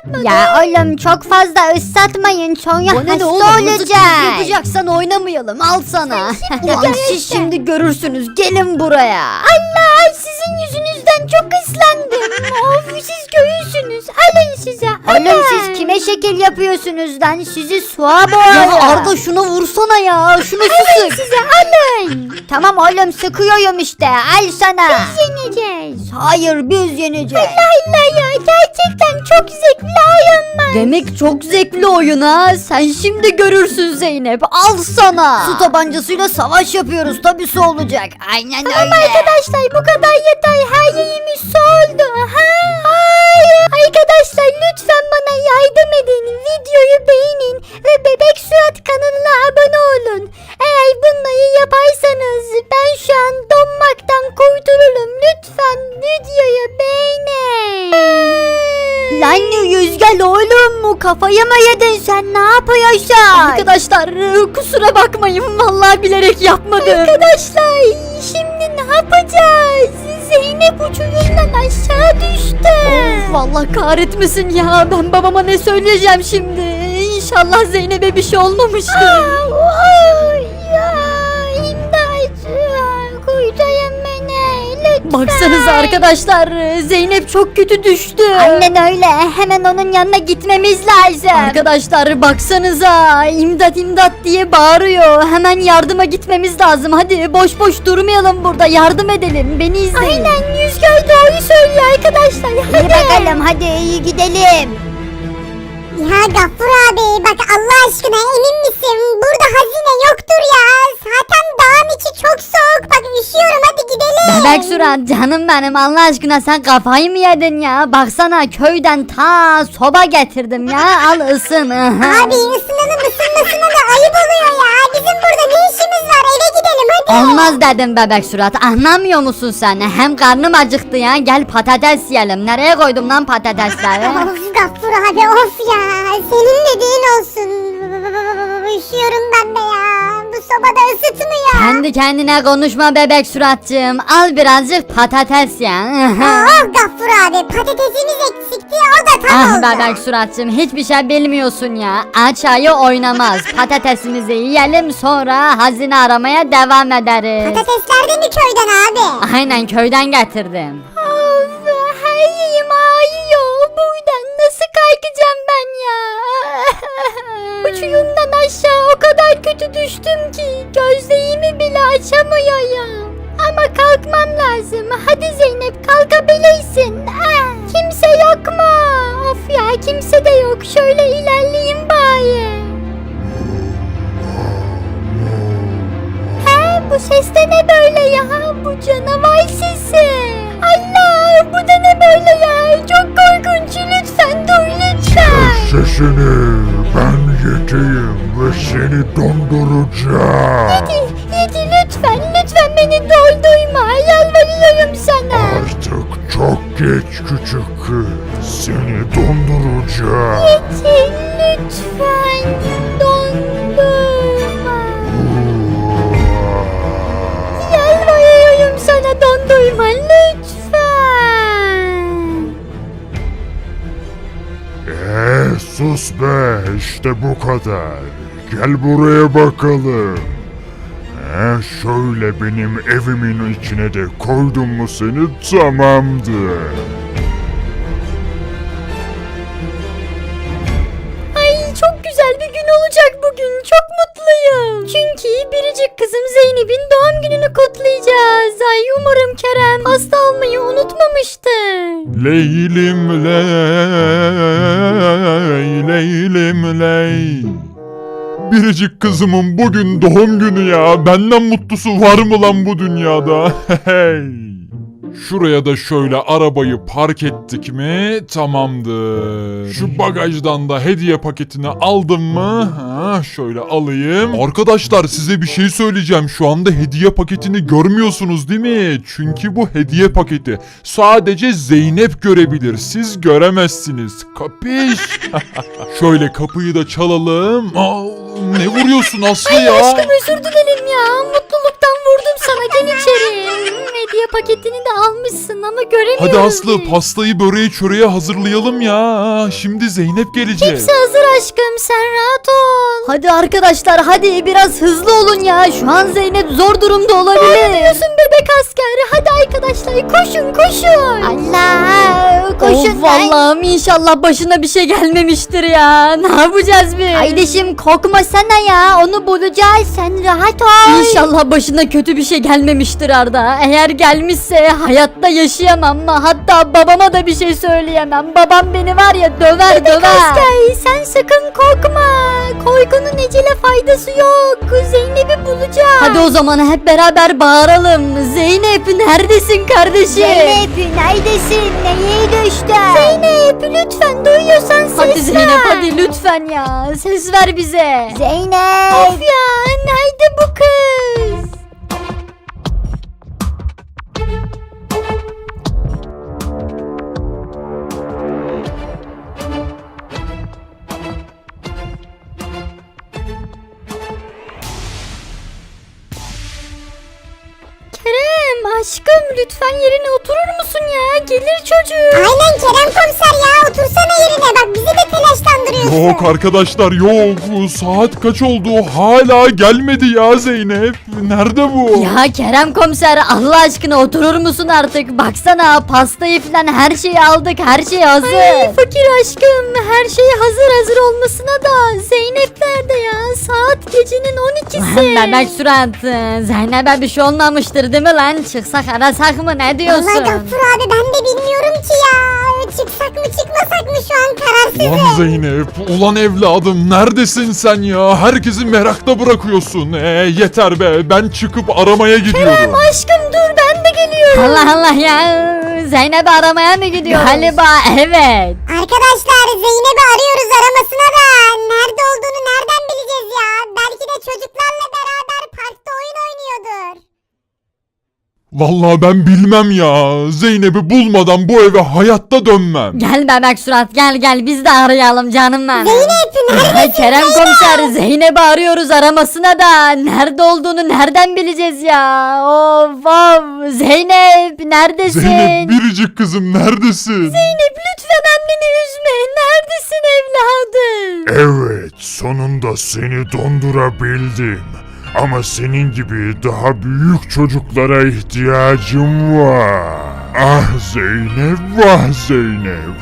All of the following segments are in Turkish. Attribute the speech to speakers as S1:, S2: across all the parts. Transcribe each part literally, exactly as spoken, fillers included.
S1: ıslatmadım.
S2: Ya oğlum çok fazla ıslatmayın sonra
S1: Bana ne
S2: hasta
S1: oğlum, mızıkçılık
S2: olacak.
S1: yapacaksan oynamayalım, al sana. Ulan
S2: gel
S1: siz
S2: işte.
S1: şimdi görürsünüz, gelin buraya.
S2: Allah sizin yüzünüzden çok ıslandım. Of siz göğüsünüz. Alın size. Oğlum siz kime şekil yapıyorsunuz lan? Sizi suğa boğarım.
S1: Ya Arda şuna vursana ya, şunu
S2: Alın
S1: sık.
S2: size alın. Tamam oğlum sıkıyorum işte. Al sana. Biz yeneceğiz.
S1: Hayır, biz yeneceğiz.
S2: Allah ya gerçekten çok zevkli oyun var.
S1: Demek çok zevkli oyun ha. Sen şimdi görürsün Zeynep. Al sana. Su tabancasıyla savaş yapıyoruz. Tabii su olacak. Aynen
S2: Tamam
S1: öyle.
S2: arkadaşlar bu kadar yeter. Her yerimiz su oldu. Ha? Hayır. Arkadaşlar lütfen bana yardım edin. Videoyu beğenin ve Bebek Suat kanalına abone olun. Eğer bunları yaparsanız ben şu an donmaktan kurtulurum. Lütfen videoyu beğenin. Lan Yüzgel oğlum mu kafayı mı yedin sen ne yapıyorsun?
S1: Arkadaşlar kusura bakmayın. Vallahi bilerek yapmadım.
S2: Arkadaşlar şimdi ne yapacağız? Zeynep uçurumdan aşağı düştü.
S1: Of, vallahi kahretmesin ya. Ben babama ne söyleyeceğim şimdi? İnşallah Zeynep'e bir şey olmamıştır.
S2: Aa, oy, ya, imdat. Kurtarın beni lütfen.
S1: Baksanıza arkadaşlar, Zeynep çok kötü düştü.
S2: Aynen öyle. Hemen onun yanına gitmemiz lazım.
S1: Arkadaşlar baksanıza, imdat imdat diye bağırıyor. Hemen yardıma gitmemiz lazım. Hadi boş boş durmayalım burada, yardım edelim. Beni izleyin.
S2: Aynen Yüzgöl doğru söylüyor arkadaşlar. Hadi.
S1: İyi bakalım, hadi iyi gidelim.
S3: Ya Gaffur abi bak Allah aşkına emin misin? Burada hazine yoktur ya. Zaten dağın içi çok soğuk. Bak üşüyorum hadi gidelim.
S1: Bebek Surat canım benim, Allah aşkına sen kafayı mı yedin ya? Baksana köyden ta soba getirdim ya, al ısın.
S3: Abi ısınanın ısınmasına da ayıp oluyor ya. Bizim burada ne işimiz var? Eve gidelim hadi.
S1: Olmaz dedim Bebek Surat, anlamıyor musun sen? Hem karnım acıktı ya, gel patates yiyelim. Nereye koydum lan patatesleri?
S3: Of Gaffur abi of ya. Senin dediğin olsun. Üşüyorum ben de ya. Bu sobada ısıtmıyor.
S1: Kendi kendine konuşma Bebek Suratcığım, al birazcık patates ya.
S3: Aa Gaffur abi patatesimiz eksikti o da tam
S1: Ah
S3: oldu.
S1: Bebek Suratcığım, hiçbir şey bilmiyorsun ya. Aç ayı oynamaz. Patatesimizi yiyelim, sonra hazine aramaya devam ederiz.
S3: Patatesler de mi köyden abi?
S1: Aynen, köyden getirdim.
S2: Of, her yerim ağrıyor. Buradan nasıl kalkacağım ben ya? Uçurumdan aşağı o kadar kötü düştüm ki gözlerimi bile açamıyorum. Ama kalkmam lazım. Hadi Zeynep kalkabilirsin. Ah, kimse yok mu? Of ya kimse de yok. Şöyle ilerleyeyim bari. He bu ses de ne böyle ya? Bu canavar sesi. Allah bu da ne böyle ya? Çok korkunç. Lütfen dur lütfen.
S4: Sesini ben yeteyim ve seni donduracağım.
S2: Yedi, yedi lütfen. Lütfen beni doldurma. Yalvarıyorum sana.
S4: Artık çok geç küçük kız. Seni donduracağım.
S2: Yedi lütfen. Dondurma. Yalvarıyorum sana dondurma. Lütfen.
S4: Eee sus be, işte bu kadar. Gel buraya bakalım. Ee, şöyle benim evimin içine de koydum mu seni tamamdır.
S2: Ay çok güzel bir gün olacak bugün. Çok mutluyum. Çünkü biricik kızım Zeynep'in doğum gününü kutlayacağız. Ay umarım Kerem hasta olmayı unutmamıştır.
S4: Leylim ley, leylim ley. Biricik kızımın bugün doğum günü ya. Benden mutlusu var mı lan bu dünyada? Hey. Şuraya da şöyle arabayı park ettik mi tamamdır. Şu bagajdan da hediye paketini aldım mı? Ha, şöyle alayım. Arkadaşlar size bir şey söyleyeceğim. Şu anda hediye paketini görmüyorsunuz değil mi? Çünkü bu hediye paketi sadece Zeynep görebilir. Siz göremezsiniz. Kapış? Şöyle kapıyı da çalalım. Allah. Ne vuruyorsun Aslı
S2: Ay
S4: ya?
S2: aşkım özür dilerim ya. Mutluluktan vurdum sana. Gel içeri. Hediye paketini de almışsın ama göremiyorum.
S4: Hadi Aslı pastayı böreği çöreği hazırlayalım ya. Şimdi Zeynep gelecek.
S2: Hepsi hazır aşkım. Sen rahat ol.
S1: Hadi arkadaşlar hadi biraz hızlı olun ya. Şu an Zeynep zor durumda olabilir.
S2: Diyorsun bebek asker. Hadi arkadaşlar koşun koşun.
S1: Allah
S2: koşun
S1: Of Allah'ım inşallah başına bir şey gelmemiştir ya. Ne yapacağız biz?
S2: Kardeşim korkma sana ya. Onu bulacağız. Sen rahat ol.
S1: İnşallah başına kötü bir şey gelmemiştir Arda. Eğer gelmişse hayatta yaşayamam. Hatta babama da bir şey söyleyemem. Babam beni var ya döver
S2: Bebek
S1: döver.
S2: asker sen sakın korkma. Korkunun ecele faydası yok. Zeynep'i bulacağız.
S1: Hadi o zaman hep beraber bağıralım. Zeynep neredesin kardeşim?
S2: Zeynep neredesin? Neye düştün? Zeynep lütfen duyuyorsan ses
S1: Hadi Zeynep
S2: ver.
S1: hadi lütfen ya. Ses ver bize.
S2: Zeynep. Of ya nerede bu kız? Kerem aşkım lütfen yerine oturur musun ya? Gelir çocuk.
S3: Aynen Kerem komiser ya otursana yerine bak bizi de telaşlandırıyorsun.
S4: Yok arkadaşlar yok. Saat kaç oldu? Hala gelmedi ya Zeynep. Nerede bu?
S1: Ya Kerem komiser Allah aşkına oturur musun artık? Baksana pastayı falan her şeyi aldık. Her şey hazır.
S2: Ay fakir aşkım her şey hazır hazır olmasına da Zeynep nerede ya? Saat gecenin on ikisi.
S1: Bebek surat. Zeynep'e bir şey olmamıştır değil mi lan? Çıksak arasak mı ne diyorsun?
S3: Vallahi Gaffur abi ben de bilmiyorum ki ya. Çıksak mı çıkmasak mı şu an kararsızım.
S4: Ulan Zeynep, ulan evladım neredesin sen ya? Herkesi merakta bırakıyorsun. Ee, yeter be, ben çıkıp aramaya gidiyorum.
S2: Aşkım dur ben de geliyorum.
S1: Allah Allah ya. Zeynep'i aramaya mı gidiyoruz? Galiba evet.
S3: Arkadaşlar Zeynep'i arıyoruz aramasına da. Nerede olduğunu nereden bileceğiz ya? Belki de çocuklarla beraber parkta oyun oynuyordur.
S4: Vallahi ben bilmem ya. Zeynep'i bulmadan bu eve hayatta dönmem.
S1: Gel bebek surat gel gel biz de arayalım canım benim.
S3: Zeynep neredesin?
S1: Ay Kerem komiser Zeynep'i arıyoruz aramasına da nerede olduğunu nereden bileceğiz ya? Of of Zeynep neredesin?
S4: Zeynep biricik kızım neredesin?
S2: Zeynep lütfen anneni üzme. Neredesin evladım?
S5: Evet, sonunda seni dondurabildim. Ama senin gibi daha büyük çocuklara ihtiyacım var. Ah Zeynep, vah Zeynep.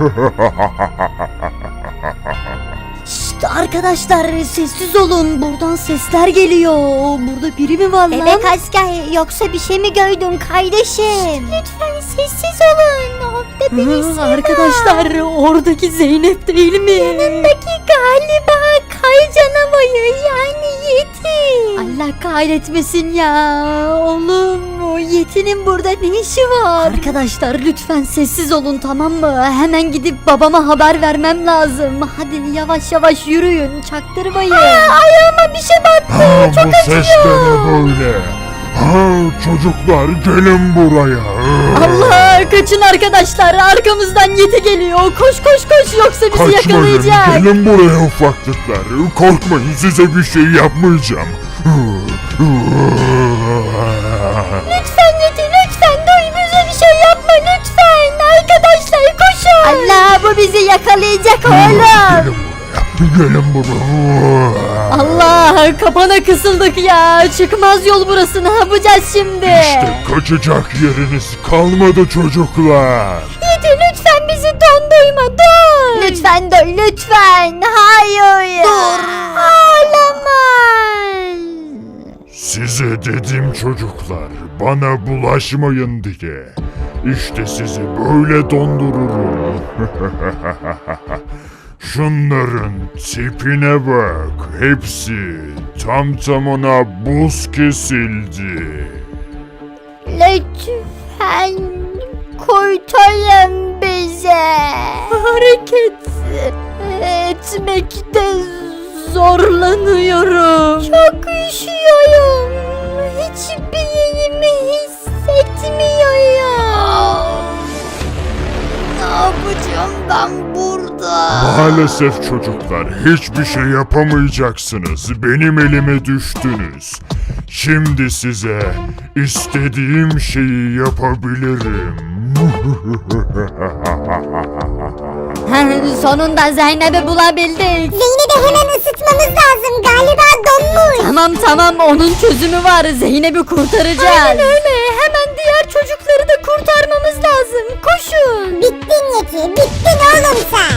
S1: Şşt arkadaşlar sessiz olun buradan sesler geliyor. Burada biri mi var lan?
S2: Bebek asker yoksa bir şey mi gördün kardeşim? Lütfen sessiz olun. Orada birisi
S1: Hı, arkadaşlar oradaki Zeynep değil mi?
S2: Yanındaki galiba kay canavarı yani Yeti.
S1: Allah kahretmesin ya. Oğlum o Yeti'nin burada ne işi var? Arkadaşlar lütfen sessiz olun tamam mı? Hemen gidip babama haber vermem lazım. Hadi yavaş yavaş yürüyün çaktırmayın.
S2: Ayağıma bir şey battı.
S5: Ha, bu ses de ne böyle? Ha, çocuklar gelin buraya.
S1: Allah kaçın arkadaşlar arkamızdan Yeti geliyor. Koş koş koş yoksa bizi
S5: Kaçmayın,
S1: yakalayacak.
S5: gelin buraya ufaklıklar. Korkmayın, size bir şey yapmayacağım.
S2: Lütfen Yeti lütfen duy bize bir şey yapma lütfen. Arkadaşlar koşun.
S1: Allah bu bizi yakalayacak oğlum.
S5: Gelin buraya.
S1: Allah kapana kısıldık ya. Çıkmaz yol burası ne yapacağız şimdi?
S5: İşte kaçacak yeriniz kalmadı çocuklar.
S2: Yeti lütfen bizi dondurma dur.
S1: Lütfen dur lütfen. Hayır.
S2: Dur. Ağlama.
S5: Size dedim çocuklar, bana bulaşmayın diye. İşte sizi böyle dondururum. Şunların tipine bak, hepsi tam tamına buz kesildi.
S2: Lütfen kurtarın bize. Hareket etmekte zorlanıyorum. Çok üşüyorum. Hiçbir yerimi hissetmiyorum.
S1: Ne yapacağım ben burada?
S5: Maalesef çocuklar hiçbir şey yapamayacaksınız. Benim elime düştünüz. Şimdi size istediğim şeyi yapabilirim.
S1: Sonunda Zeynep'i bulabildik.
S3: Zeynep'i hemen ısıtmamız lazım. Galiba donmuş.
S1: Tamam tamam onun çözümü var. Zeynep'i kurtaracağız. Aynen öyle. Hemen diğer çocukları da kurtarmamız lazım. Koşun.
S3: Bittin Yeti, bittin oğlum sen.